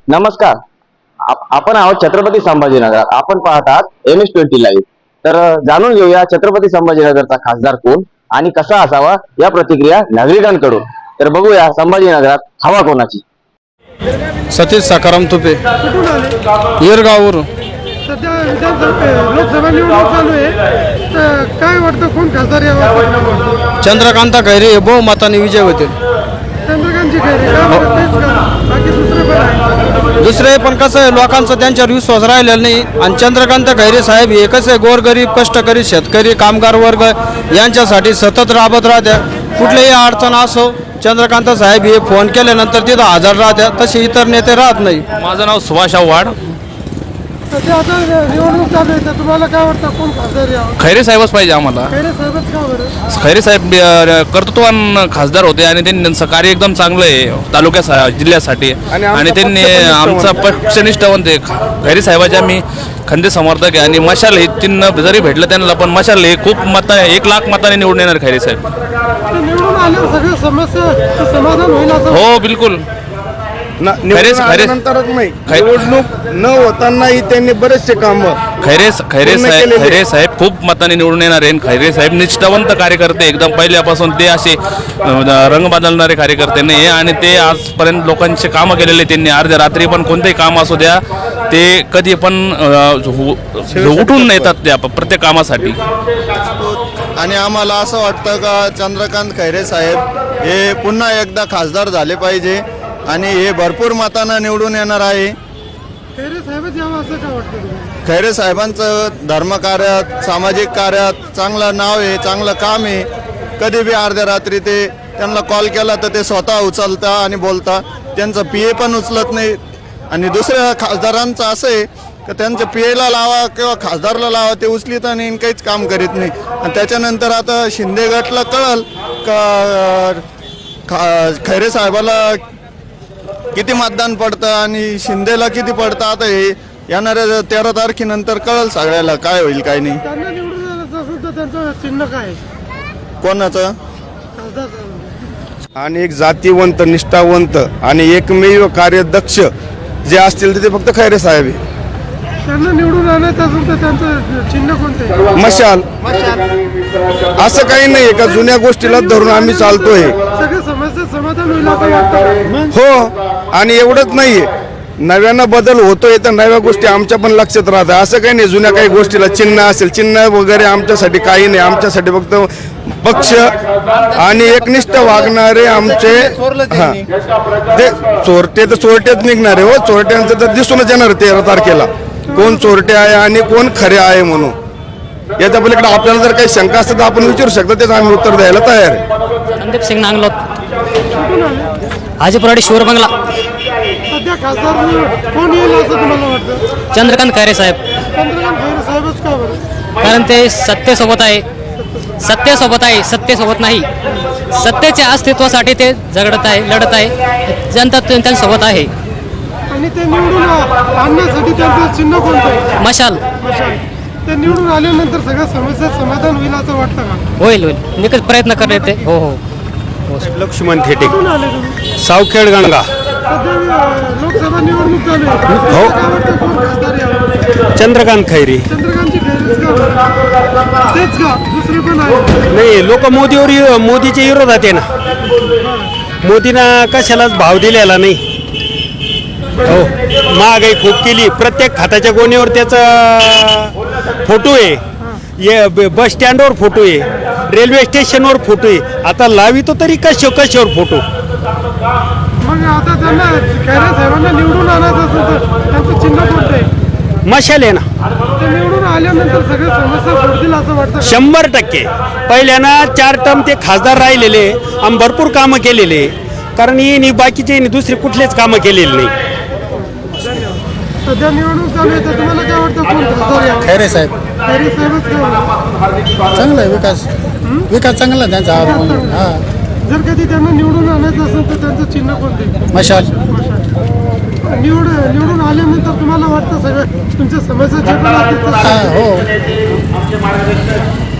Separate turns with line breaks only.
नमस्कार. आपण आहोत छत्रपती संभाजीनगर. आपण पाहत आहात MS20 लाईव्ह. तर जाणून घेऊया छत्रपती संभाजीनगरचा खासदार कोण आणि कसा असावा या प्रतिक्रिया नागरिकांकडून. तर बघूया संभाजीनगरात हवा कोणाची.
सतीश सकाराम तुपे, येरगाववरून.
सध्या लोकसभा निवडणूक चालू आहे, तर काय वाटतं कोण खासदार यावा?
चंद्रकांता खैरे बहुमताने विजय होतील.
चंद्रकांतची खैरे काय बरं, तेच का? बाकी दुसरे पण आहे?
दुसरे पण कसं आहे, लोकांचा त्यांच्यावर विश्वास राहिलेला नाही. आणि चंद्रकांत खैरे साहेब हे कसं आहे, गोरगरीब कष्टकरी शेतकरी कामगार वर्ग यांच्यासाठी सतत राबत राहत्या. कुठलीही अडचण असो चंद्रकांत साहेब हे फोन केल्यानंतर तिथं हजर राहत्या. तसे इतर नेते राहत नाही.
माझं नाव सुभाष आव्हाड.
सध्या आता निवडणूक चालू आहे, तर तुम्हाला काय वाटतं कोण खासदार यावा?
खैरे साहेबच पाहिजे आम्हाला.
खैरे साहेबच का बरं?
खैरे साहेब कर्तृत्ववान खासदार होते आणि त्यांचं कार्य एकदम चांगलं आहे जिल्ह्यासाठी. आणि त्यांनी आमचा पक्षनिष्ठावंत आहे. खैरे साहेबाचे आम्ही खंदे समर्थक आहे. आणि मशाल हे चिन्ह जरी भेटलं त्यांना, पण मशाल हे खूप 1,00,000 मताने निवडून येणार खैरे साहेब.
ते निवडून आल्यावर सगळ्या समस्या समाधान होईल असं?
हो बिलकुल.
नंतरच नाही, निवडणूक न होतानाही त्यांनी बरेचसे काम
खैरे साहेब खूप मताने निवडून येणार आहे. खैरे साहेब निष्ठावंत कार्यकर्ते एकदम पहिल्यापासून. ते असे रंग बदलणारे कार्यकर्ते नाही. आणि ते आजपर्यंत लोकांचे कामं केलेले त्यांनी. अर्ध्या रात्री पण कोणतेही काम असू द्या, ते कधी पण उठून येतात त्या प्रत्येक कामासाठी.
आणि आम्हाला असं वाटतं का चंद्रकांत खैरे साहेब हे पुन्हा एकदा खासदार झाले पाहिजे आणि हे भरपूर मतांना निवडून येणार आहे.
खैरे साहेबच यावं असं का वाटतं तुम्हाला?
खैरे साहेबांचं धर्मकार्यात सामाजिक कार्यात चांगलं नाव आहे, चांगलं काम आहे. कधी बी अर्ध्या रात्री ते त्यांना कॉल केला तर ते स्वतः उचलता आणि बोलता. त्यांचं PA पण उचलत नाही. आणि दुसऱ्या खासदारांचं असं आहे का त्यांचं PAला लावा किंवा खासदारला लावा, ते उचलीत आणि काहीच काम करीत नाही. आणि त्याच्यानंतर आता शिंदे गटला कळल का खैरे साहेबाला किती मतदान पडतं आणि शिंदेला किती पडतं. आता हे येणाऱ्या 13 तारखेनंतर कळल सगळ्याला काय होईल काय नाही.
त्यांना निवडून आलं असेल तर त्यांचं चिन्ह काय आहे?
कोणाचं?
खासदार.
आणि एक जातीवंत निष्ठावंत आणि एकमेव कार्यदक्ष जे असतील ते फक्त खैरे साहेब आहे.
त्यांना निवडून आणायचं असेल तर त्यांचं चिन्ह कोणतं आहे?
मशाल. असं काही नाही का जुन्या गोष्टीला धरून आम्ही चालतोय.
सगळ्या समस्या समाधान होईल असं वाटतं?
हो. आणि एवढंच नाहीये, नव्यानं बदल होतोय तर नव्या गोष्टी आमच्या पण लक्षात राहतात. असं काही नाही जुन्या काही गोष्टीला चिन्ह असेल, चिन्ह वगैरे आमच्यासाठी काही नाही. आमच्यासाठी फक्त पक्ष आणि एकनिष्ठ वागणारे आमचे ते चोरटे तर चोरटेच निघणार आहे. हो, चोरट्यांचं तर दिसूनच येणार 13 तारखेला कोण चोरटे आहे आणि कोण खरे आहे म्हणून. याच्या पलीकडे आपल्याला जर काही शंका असतात तर आपण विचारू शकतो, त्याचं आम्ही उत्तर द्यायला तयार आहे.
संदीप सिंग नांगलोत, हाजीपुराडी शिवर बंगला.
सध्या खासदार कोण येईल असं तुम्हाला वाटतं?
चंद्रकांत खैरे साहेब.
चंद्रकांत खैरे साहेबच का बरं?
कारण ते सत्तेसोबत आहे. सत्तेसोबत नाही, सत्तेच्या अस्तित्वासाठी ते लढत आहे. जनता त्यांच्यासोबत आहे.
आणि ते निवडून आणण्यासाठी त्यांचं चिन्ह कोणतं आहे?
मशाल.
ते निवडून आल्यानंतर सगळ्या समस्या समाधान होईल असं वाटतं का?
होईल. निकट प्रयत्न करते ते. हो.
लक्ष्मण थेटे,
कोण आले तुम्ही?
सावखेड गणगा.
सध्या लोकसभा निवडणूक चालू आहे.
हो.
काय वाटतं कोण खासदार यावं?
चंद्रकांत खैरे.
चंद्रकांतची खैरेच का बरं? तेच का दुसरे पण आहे?
नाही, लोक मोदीच्या विरोधात आहे ना. मोदींना कशालाच भाव दिलेला नाही. हो, महागाई खूप केली. प्रत्येक खात्याच्या गोणीवर त्याचा फोटो आहे. बस स्टँडवर फोटो आहे, रेल्वे स्टेशनवर फोटो आहे. आता लावितो तरी कशावर फोटो.
मग आता त्यांना खैरे साहेबांना निवडून आणायचं असेल तर त्यांचं चिन्ह कोणतं आहे?
मशाल आहे ना.
ते निवडून आल्यानंतर सगळ्या समस्या सोडतील असं वाटतं?
100%. पहिल्यानं 4 टर्म ते खासदार राहिलेले आणि भरपूर कामं केलेले. कारण ही बाकीचे दुसरे कुठलेच कामं केलेले नाही.
सध्या निवडणूक चालू आहे, तर तुम्हाला काय वाटतं कोण खासदार यावं?
खैरे साहेब.
खैरे साहेबच का?
चांगला आहे विकास चांगला त्यांचा. हां.
जर कधी त्यांना निवडून आणायचं असेल तर त्यांचं चिन्ह कोणते?
मशाल.
निवडून आल्यानंतर तुम्हाला वाटतं सगळं तुमच्या समस्या जे पण आहेत
हो.